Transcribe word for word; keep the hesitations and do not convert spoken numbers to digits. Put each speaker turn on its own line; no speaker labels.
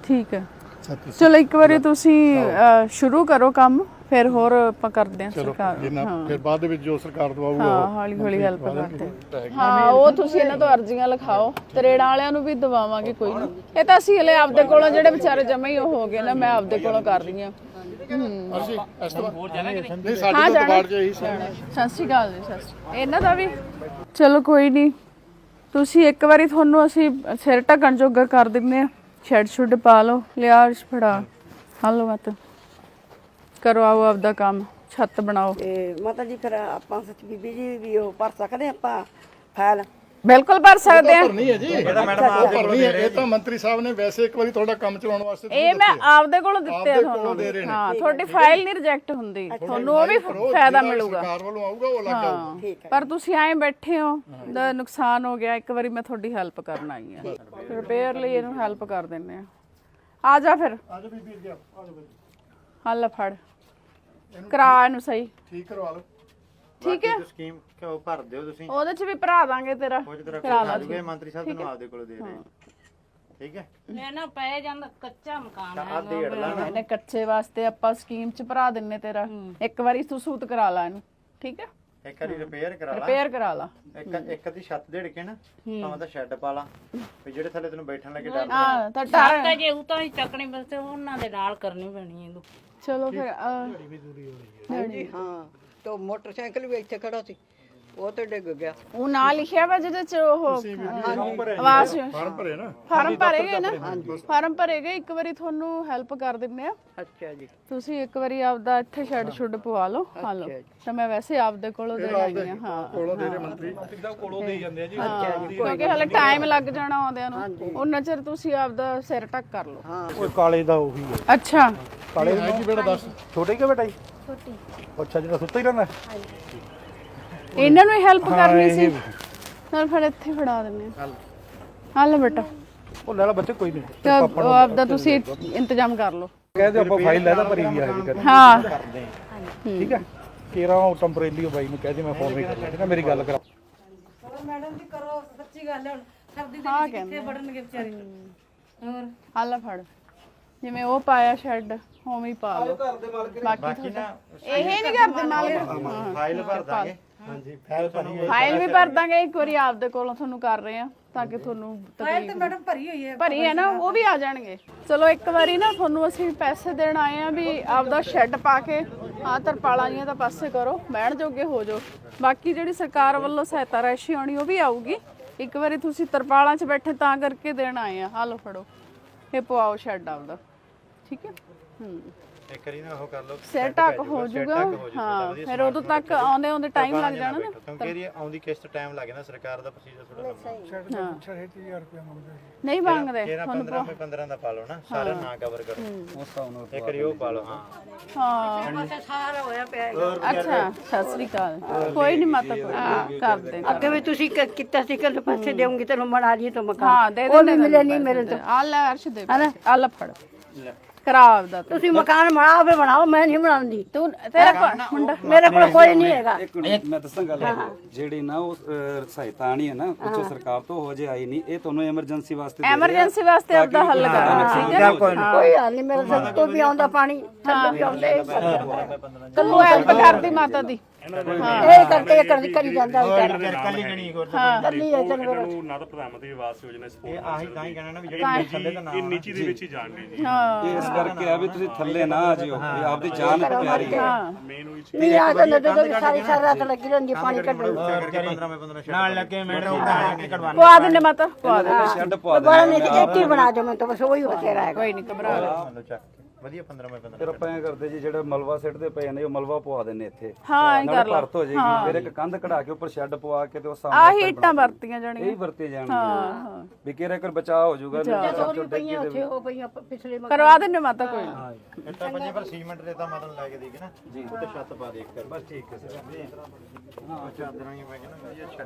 ठीक है चलो एक बार तुसी शुरू करो काम फिर होर ਆਪਾਂ ਕਰਦੇ ਹਾਂ ਸਰਕਾਰ
ਹਾਂ ਫਿਰ ਬਾਅਦ ਦੇ ਵਿੱਚ ਜੋ ਸਰਕਾਰ ਦਵਾਊਗਾ
ਹਾਂ ਹੌਲੀ ਹੌਲੀ ਹੈਲਪ ਕਰਦੇ ਹਾਂ ਉਹ ਤੁਸੀਂ ਇਹਨਾਂ ਤੋਂ ਅਰਜ਼ੀਆਂ ਲਿਖਾਓ ਤਰੇੜਾਂ ਵਾਲਿਆਂ ਨੂੰ ਵੀ ਦਵਾਵਾਂਗੇ ਕੋਈ ਨਹੀਂ ਇਹ ਤਾਂ ਅਸੀਂ ਹਲੇ ਆਪਦੇ ਕੋਲੋਂ ਜਿਹੜੇ ਵਿਚਾਰੇ ਜਮਾ ਹੀ ਉਹ ਹੋ ਗਏ ਨਾ ਮੈਂ ਆਪਦੇ ਕੋਲੋਂ ਕਰ ਰਹੀ ਹਾਂ
ਅਸੀਂ ਇਸ ਤੋਂ ਹੋਰ ਜਾਣਾ ਕਿ ਨਹੀਂ ਸਾਡੇ ਤੋਂ ਬਾਹਰ ਜੇ ਹੀ
ਸਤਿ ਸ਼੍ਰੀ ਅਕਾਲ ਜੀ ਸਤਿ ਸ਼੍ਰੀ ਇਹਨਾਂ ਦਾ ਵੀ ਚਲੋ ਕੋਈ ਨਹੀਂ ਤੁਸੀਂ ਇੱਕ ਵਾਰੀ ਤੁਹਾਨੂੰ ਅਸੀਂ ਸਿਰ ਢੱਕਣ ਜੋਗਾ ਕਰ ਦਿੰਦੇ ਆ ਛੱਡ ਛੁੱਡ ਪਾ ਲਓ ਲਿਆ ਫੜਾ ਹਲੋ ਮਤ ਕਰੋ ਆਓ ਆਪਦਾ ਕੰਮ ਛੱਤ ਬਣਾਓ
ਤੇ ਮਾਤਾ ਜੀ ਫਿਰ ਆਪਾਂ ਸੱਚ ਬੀਬੀ ਜੀ ਵੀ ਉਹ ਭਰ ਸਕਦੇ ਆਪਾਂ ਫਾਈਲ
ਬਿਲਕੁਲ ਭਰ ਸਕਦੇ ਆ
ਭਰਨੀ ਹੈ ਜੀ ਇਹਦਾ ਮੈਡਮ ਆਪ ਭਰਨੀ ਹੈ ਇਹ ਤਾਂ ਮੰਤਰੀ ਸਾਹਿਬ ਨੇ ਵੈਸੇ ਇੱਕ ਵਾਰੀ ਤੁਹਾਡਾ ਕੰਮ ਚਲਾਉਣ ਵਾਸਤੇ
ਇਹ ਮੈਂ ਆਪਦੇ ਕੋਲੋਂ ਦਿੱਤੇ ਆ ਤੁਹਾਨੂੰ ਹਾਂ ਤੁਹਾਡੀ ਫਾਈਲ ਨਹੀਂ ਰਿਜੈਕਟ ਹੁੰਦੀ ਤੁਹਾਨੂੰ ਉਹ ਵੀ ਫਾਇਦਾ ਮਿਲੂਗਾ
ਸਰਕਾਰ ਵੱਲੋਂ ਆਊਗਾ ਉਹ ਲੱਗ ਜਾਊਗਾ
ਪਰ ਤੁਸੀਂ ਐਂ ਬੈਠੇ ਹੋ ਦਾ ਨੁਕਸਾਨ ਹੋ ਗਿਆ ਇੱਕ ਵਾਰੀ ਮੈਂ ਤੁਹਾਡੀ ਹੈਲਪ ਕਰਨ ਆਈ ਆ ਰਿਪੇਅਰ ਲਈ ਇਹਨੂੰ ਹੈਲਪ ਕਰ ਦਿੰਨੇ ਆ ਆ ਜਾ ਫਿਰ
ਆ ਜਾ ਬੀਬੀ ਅੱਗੇ ਆ ਜਾ
ਹੱਲ ਫੜ ਕਰਾ ਇਹਨੂੰ ਸਹੀ
ਠੀਕ ਕਰਵਾ ਲਓ
ਠੀਕ ਹੈ
ਸਕੀਮ ਕਿਉਂ ਭਰ ਦਿਓ ਤੁਸੀਂ
ਉਹਦੇ ਚ ਵੀ ਭਰਾ ਦਾਂਗੇ ਤੇਰਾ
ਕਰਾ ਲਾਂਗੇ ਮੰਤਰੀ ਸਾਹਿਬ ਤੁਹਾਨੂੰ ਆਪਦੇ ਕੋਲ ਦੇ ਰਹੇ ਠੀਕ ਹੈ
ਮੈਂ ਨਾ ਪੈ ਜਾਂਦਾ ਕੱਚਾ ਮਕਾਨ ਹੈ
ਆ ਡੇਢ ਲਾ
ਇਹਨੇ ਕੱਚੇ ਵਾਸਤੇ ਆਪਾਂ ਸਕੀਮ ਚ ਭਰਾ ਦਿੰਨੇ ਤੇਰਾ ਇੱਕ ਵਾਰੀ ਤੂੰ ਸੂਤ ਕਰਾ ਲਾ ਇਹਨੂੰ ਠੀਕ ਹੈ
ਇੱਕ ਵਾਰੀ ਰਿਪੇਅਰ ਕਰਾ ਲਾ
ਰਿਪੇਅਰ ਕਰਾ ਲਾ
ਇੱਕ ਇੱਕ ਦੀ ਛੱਤ ਦੇੜ ਕੇ ਨਾ ਭਾਵੇਂ ਤਾਂ ਸ਼ੈੱਡ ਪਾ ਲਾ ਵੀ ਜਿਹੜੇ ਥੱਲੇ ਤੈਨੂੰ ਬੈਠਣ ਲੱਗੇ ਡਰ
ਹਾਂ ਤਾਂ
ਤਾਂ ਤਾਂ ਜੇ ਉਹ ਤਾਂ ਹੀ ਚੱਕਣੀ ਬਸ ਉਹਨਾਂ ਦੇ ਨਾਲ ਕਰਨੀ ਪੈਣੀ ਇਹਨੂੰ
ਚਲੋ ਫਿਰ
ਹਾਂਜੀ ਹਾਂ ਤੇ ਮੋਟਰਸਾਈਕਲ ਵੀ ਇੱਥੇ ਖੜਾ ਸੀ ਉਹ ਤੇ ਡਿੱਗ ਗਿਆ
ਉਹ ਨਾਂ ਲਿਖਿਆ ਵਾ ਜਿਹਦੇ ਚ ਉਹ ਆਵਾਜ਼
ਫਾਰਮ ਭਰੇ ਨਾ
ਫਾਰਮ ਭਰੇਗੇ ਨਾ ਫਾਰਮ ਭਰੇਗੇ ਇੱਕ ਵਾਰੀ ਤੁਹਾਨੂੰ ਹੈਲਪ ਕਰ ਦਿੰਨੇ ਆ
ਅੱਛਾ ਜੀ
ਤੁਸੀਂ ਇੱਕ ਵਾਰੀ ਆਪਦਾ ਇੱਥੇ ਛੱਡ ਛੁੱਡ ਪਵਾ ਲਓ ਹਾਂ ਲਓ ਤਾਂ ਮੈਂ ਵੈਸੇ ਆਪਦੇ ਕੋਲੋਂ ਦੇ ਆਈ ਆ ਹਾਂ
ਕੋਲੋਂ ਦੇ ਰਹੇ ਮੰਤਰੀ
ਕੋਲੋਂ ਦੇ ਜਾਂਦੇ ਆ ਜੀ
ਕਿਉਂਕਿ ਹਲੇ ਟਾਈਮ ਲੱਗ ਜਾਣਾ ਆਉਂਦਿਆਂ ਨੂੰ ਉਹਨਾਂ ਚਿਰ ਤੁਸੀਂ ਆਪਦਾ ਸਿਰ ਟੱਕ ਕਰ ਲਓ
ਹਾਂ
ਉਹ ਕਾਲੇ ਦਾ ਉਹੀ ਹੈ
ਅੱਛਾ
ਕਾਲੇ
ਹੈ ਕੀ ਬੇਟਾ ਦੱਸ
ਛੋਟੇ ਕਿ ਬੇਟਾ ਜੀ ਛੋਟੀ ਅੱਛਾ ਜਿਹੜਾ ਸੁੱਤਾ ਹੀ ਰਹਿੰਦਾ
ਇਹਨਾਂ ਨੂੰ ਹੈਲਪ ਕਰਨੀ ਸੀ ਨਾਲ ਫਿਰ ਇੱਥੇ ਫੜਾ ਦਿੰਨੇ ਆ ਹੱਲ ਬੇਟਾ
ਉਹ ਲੈ ਲਾ ਬੱਚੇ ਕੋਈ ਨਹੀਂ
ਤਾਂ ਉਹ ਆਪਦਾ ਤੁਸੀਂ ਇੰਤਜ਼ਾਮ ਕਰ ਲਓ
ਕਹਿੰਦੇ ਆਪਾਂ ਫਾਈਲ ਲੈ ਲਾ ਭਰੀ ਵੀ ਆ ਜੀ ਕਰ
ਹਾਂ
ਠੀਕ ਹੈ ਕੇਰਾ ਉਹ ਟੈਂਪਰੇਰੀ ਬਾਈ ਨੂੰ ਕਹਿ ਦੇ ਮੈਂ ਫੋਨ ਵੀ ਕਰ ਲਿਆ ਮੇਰੀ ਗੱਲ ਕਰਾ
ਮੈਡਮ ਜੀ ਕਰੋ ਸੱਚੀ ਗੱਲ ਹੈ ਹੁਣ ਸਰਦੀ ਦੇ
ਹਾਂ
ਵਿੱਚ ਕਿੱਥੇ ਵੜਨਗੇ ਵਿਚਾਰੇ ਹੋਰ
ਹੱਲ ਫੜ ਜਿਵੇਂ ਉਹ ਪਾਇਆ ਸ਼ੈੱਡ ਉਵੇਂ ਹੀ ਪਾ ਲਓ ਬਾਕੀ ਤੁਹਾਡਾ ਇਹ ਨਹੀਂ ਕਰਦੇ ਮਾਲਕ
ਫਾਈਲ ਭਰ ਦਾਂਗੇ ਹਾਂਜੀ ਫਾਈਲ ਭਰੀ
ਫਾਈਲ ਵੀ ਭਰ ਦਾਂਗੇ ਇੱਕ ਵਾਰੀ ਆਪਦੇ ਕੋਲੋਂ ਤੁਹਾਨੂੰ ਕਰ ਰਹੇ ਆ ਤਾਂ ਕਿ ਤੁਹਾਨੂੰ
ਫਾਈਲ ਤੇ ਮੈਡਮ ਭਰੀ ਹੋਈ ਹੈ
ਭਰੀ ਹੈ ਨਾ ਉਹ ਵੀ ਆ ਜਾਣਗੇ ਚਲੋ ਇੱਕ ਵਾਰੀ ਨਾ ਤੁਹਾਨੂੰ ਅਸੀਂ ਪੈਸੇ ਦੇਣ ਆਏ ਆ ਵੀ ਆਪਦਾ ਸ਼ੈੱਡ ਪਾ ਕੇ ਆ ਤਰਪਾਲਾਂ ਜੀਆਂ ਤਾਂ ਪਾਸੇ ਕਰੋ ਬਹਿਣ ਜੋਗੇ ਹੋ ਜਾਓ ਬਾਕੀ ਜਿਹੜੀ ਸਰਕਾਰ ਵੱਲੋਂ ਸਹਾਇਤਾ ਰਾਸ਼ੀ ਆਉਣੀ ਉਹ ਵੀ ਆਊਗੀ ਇੱਕ ਵਾਰੀ ਤੁਸੀਂ ਤਰਪਾਲਾਂ 'ਚ ਬੈਠੇ ਤਾਂ ਕਰਕੇ ਦੇਣ ਆਏ ਆ ਆ ਲਓ ਫੜੋ ਇਹ ਪਵਾਓ ਸ਼ੈੱਡ ਆਪਦਾ ਠੀਕ ਹੈ ਹੂੰ
ਇੱਕ ਵਾਰੀ ਨਾ ਉਹ ਕਰ ਲਓ
ਸਿਰ ਢੱਕ ਹੋ ਜਾਊਗਾ ਹਾਂ ਫਿਰ ਉਦੋਂ ਤੱਕ ਆਉਂਦੇ ਆਉਂਦੇ ਟਾਈਮ ਲੱਗ ਜਾਣਾ ਨਾ
ਕਿਉਂਕਿ ਇਹਦੀ ਆਉਂਦੀ ਕਿਸ਼ਤ ਟਾਈਮ ਲੱਗ ਜਾਂਦਾ ਸਰਕਾਰ ਦਾ ਪ੍ਰੋਸੀਜਰ ਥੋੜਾ ਲੰਮਾ
ਨਹੀਂ ਮੰਗਦੇ
ਕਿਹੜਾ ਪੰਦਰਾਂ ਮੇ ਪੰਦਰਾਂ ਦਾ ਪਾ ਲਓ ਨਾ ਸਾਰਾ ਨਾ ਕਵਰ ਕਰੋ ਉਸ ਹਿਸਾਬ ਨਾਲ ਇੱਕ ਵਾਰੀ ਉਹ ਪਾ ਲਓ ਹਾਂ
ਹਾਂ
ਪਾਸੇ ਸਾਰਾ ਹੋਇਆ ਪਿਆ
ਅੱਛਾ ਸਤਿ ਸ੍ਰੀ ਅਕਾਲ ਕੋਈ ਨਹੀਂ ਮਾਤਾ ਕੋਈ ਕਰ ਦੇ
ਅੱਗੇ ਵੀ ਤੁਸੀਂ ਕ- ਕੀਤਾ ਸੀ ਕਿ ਪੈਸੇ ਦੇਉਂਗੀ ਤੈਨੂੰ ਬਣਾ ਲਈ ਤਾਂ ਮਕਾਨ
ਹਾਂ ਦੇ
ਉਹ
ਦੇ
ਵੀ ਮਿਲੇ ਨਹੀਂ ਮੇਰੇ ਤੋਂ
ਆ ਲੈ ਅਰਸ਼ ਦੇ ਆ ਲੈ ਫੜ ਕਰਾ ਆਪਦਾ ਤੂੰ।
ਤੁਸੀਂ ਮਕਾਨ ਬਣਾਓ ਵੀ ਬਣਾਓ ਮੈਂ ਨਹੀਂ ਬਣਾਉਂਦੀ
ਤੂੰ ਤੇਰਾ ਕੋਲ ਮੁੰਡਾ
ਮੇਰੇ ਕੋਲ ਕੋਈ ਨਹੀਂ ਹੈਗਾ
ਇੱਕ ਮੈਂ ਦੱਸਾਂ ਗੱਲ ਜਿਹੜੀ ਨਾ ਉਹ ਅਹ, ਸਹਾਇਤਾ ਆਣੀ ਹੈ ਨਾ ਉੱਚੋ ਸਰਕਾਰ ਤੋਂ ਹੋ ਜੇ ਆਈ ਨਹੀਂ ਇਹ ਤੁਹਾਨੂੰ ਐਮਰਜੈਂਸੀ ਵਾਸਤੇ ਦੇ ਰਹੇ ਆ।
ਐਮਰਜੈਂਸੀ ਵਾਸਤੇ ਆਪਦਾ ਹੱਲ ਕਰਨਾ ਠੀਕ ਹੈ
ਕੋਈ ਹਾਲ ਨਹੀਂ ਮੇਰੇ ਸਿਰ ਤੋਂ ਵੀ ਆਉਂਦਾ ਪਾਣੀ ਥੱਲੇ ਵੀ ਆਉਂਦੇ
ਕੱਲੂ ਹੈਲਪ ਕਰਦੀ ਮਾਤਾ ਦੀ
ਇਹ ਕਰਕੇ ਇਹ ਕਰਦੀ ਕਰੀ ਜਾਂਦਾ ਵਿਚਾਰਾ
ਕੱਲੀ ਗਣੀ ਹੋਰ
ਕੱਲੀ ਹੈ ਚੰਗਾ
ਨਾ ਤਾਂ ਪ੍ਰਧਾਨ ਮੰਤਰੀ ਆਵਾਸ ਯੋਜਨਾ
ਇਹ ਆਹੀ ਤਾਂ ਹੀ ਕਹਿਣਾ ਨਾ ਵੀ ਜਿਹੜੇ ਥੱਲੇ ਦਾ ਨਾਮ
ਨੀਚੀ ਦੇ ਵਿੱਚ ਹੀ ਜਾਣਗੇ ਜੀ
ਹਾਂ
ਇਹ ਇਸ ਕਰਕੇ ਆ ਵੀ ਤੁਸੀਂ ਥੱਲੇ ਨਾ ਆ ਜਿਓ ਵੀ ਆਪਦੀ ਜਾਨ ਪਿਆਰੀ ਹੈ
ਮੇਨ ਉਹੀ ਚੀਜ਼
ਨਹੀਂ ਆ ਤਾਂ ਨਦੋਂ ਵੀ ਸਾਰੀ ਸਾਰੀ ਰਾਤ ਲੱਗੀ ਰਹਿੰਦੀ ਪਾਣੀ ਕੱਢਣ
ਪੰਦਰਾਂ ਮੇ ਪੰਦਰਾਂ ਨਾਲ ਲੱਗੇ ਮੈਡਮ ਕਢਵਾਣਾ
ਪਵਾ ਦਿੰਨੇ ਮਾਤਾ ਪਵਾ ਦੇ
ਸ਼ੈੱਡ ਪਵਾ ਦੇ
ਬੜਾ ਨਹੀਂ ਕਿ ਇੱਥੇ ਬਣਾ ਦਿਓ ਮੈਂ ਤਾਂ ਬਸ ਉਹੀ ਹੋ ਤੇਰਾ ਹੈ
ਕੋਈ ਨਹੀਂ ਘਬਰਾ
ਵਧੀਆ ਪੰਦਰਾਂ ਮੇ ਪੰਦਰਾਂ
ਫਿਰ ਆਪਾਂ ਐ ਕਰਦੇ ਜੀ ਜਿਹੜਾ ਮਲਵਾ ਸਿੱਟਦੇ ਪਏ ਨੇ ਉਹ ਮਲਵਾ ਪਵਾ ਦਿੰਨੇ ਇੱਥੇ
ਹਾਂ ਐਂ ਕਰ ਲਾ
ਭਰਤ ਹੋ ਜਾਏਗੀ ਫਿਰ ਇੱਕ ਕੰਧ ਕਢਾ ਕੇ ਉੱਪਰ ਸ਼ੈੱਡ ਪਵਾ ਕੇ ਤੇ ਉਹ
ਆ
ਸਾਹਮਣੇ
ਹੀਟਾਂ ਵਰਤੀਆਂ ਜਾਣੀਆਂ
ਇਹ ਵਰਤੇ ਜਾਣਗੇ ਵੀ ਕਿਹੜਾ ਕਰ ਬਚਾਅ ਹੋ ਜਾਊਗਾ
ਚੋਰੀ ਪਈਆਂ ਉੱਥੇ ਉਹ ਪਈਆਂ ਪਿਛਲੇ
ਕਰਵਾ ਦਿੰਨੇ ਮਾਤਾ ਕੋਈ ਨੀ।
ਇੱਟਾਂ ਪੰਜੇ ਪਰ ਸੀਮੈਂਟ ਦੇ ਤਾਂ ਮਤਲਬ ਲੈ ਕੇ ਦੇਗੇ ਨਾ ਜੀ ਉੱਤੇ ਛੱਤ ਪਾ ਦੇ ਇੱਕ ਬਸ ਠੀਕ ਹੈ ਸਰ ਹਾਂ ਚਾਦਰਾਂ ਹੀ ਪਈਆਂ ਨਾ ਵਧੀਆ